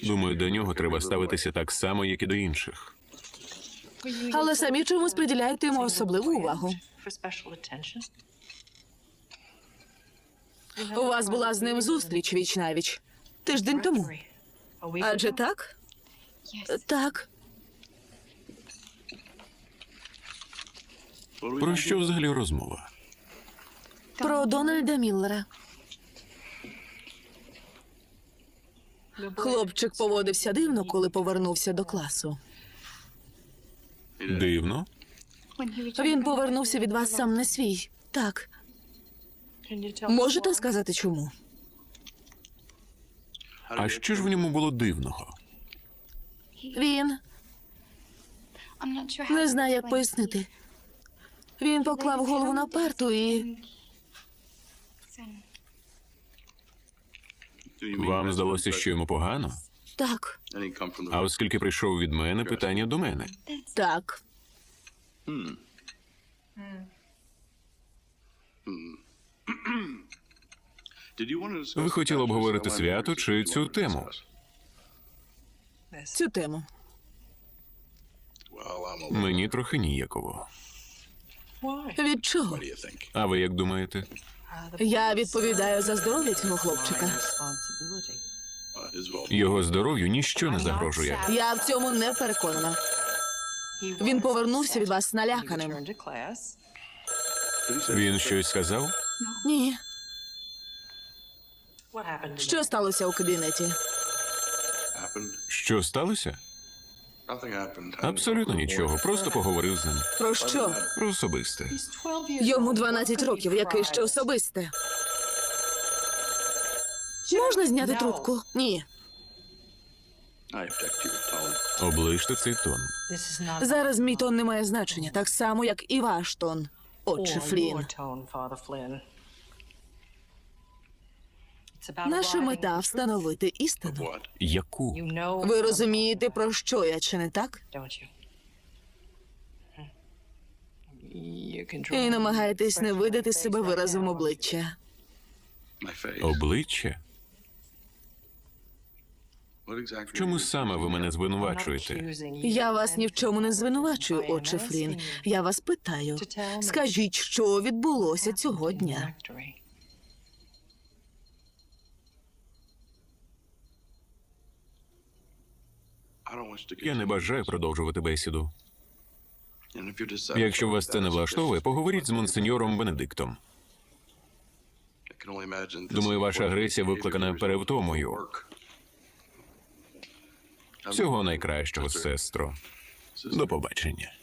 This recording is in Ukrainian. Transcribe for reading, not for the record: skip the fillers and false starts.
Думаю, до нього треба ставитися так само, як і до інших. Але самі чомусь приділяєте йому особливу увагу. У вас була з ним зустріч віч-навіч. Тиждень тому. Адже так? Так. Про що взагалі розмова? Про Дональда Міллера. Хлопчик поводився дивно, коли повернувся до класу. Дивно? Він повернувся від вас сам не свій. Так. Можете сказати, чому? А що ж в ньому було дивного? Він не знає, як пояснити. Він поклав голову на парту і... Вам здалося, що йому погано? Так. А оскільки прийшов від мене, питання до мене. Так. Ви хотіли обговорити свято чи цю тему? Цю тему. Мені трохи ніяково. Від чого? А ви як думаєте? Я відповідаю за здоров'я цього хлопчика. Його здоров'ю ніщо не загрожує. Я в цьому не переконана. Він повернувся від вас наляканим. Він щось сказав? Ні. Що сталося у кабінеті? Що сталося? Абсолютно нічого. Просто поговорив з ним. Про що? Про особисте. Йому 12 років, яке ще особисте. Можна зняти трубку? Ні. Оближте цей тон. Зараз мій тон не має значення, так само, як і ваш тон, отче Флін. Наша мета – встановити істину. Яку? Ви розумієте, про що я, чи не так? І намагаєтесь не видати себе виразом обличчя. Обличчя? В чому саме ви мене звинувачуєте? Я вас ні в чому не звинувачую, отче Флін. Я вас питаю, скажіть, що відбулося цього дня? Я не бажаю продовжувати бесіду. Якщо вас це не влаштовує, поговоріть з монсеньором Бенедиктом. Думаю, ваша агресія викликана перевтомою. Всього найкращого, сестро. До побачення.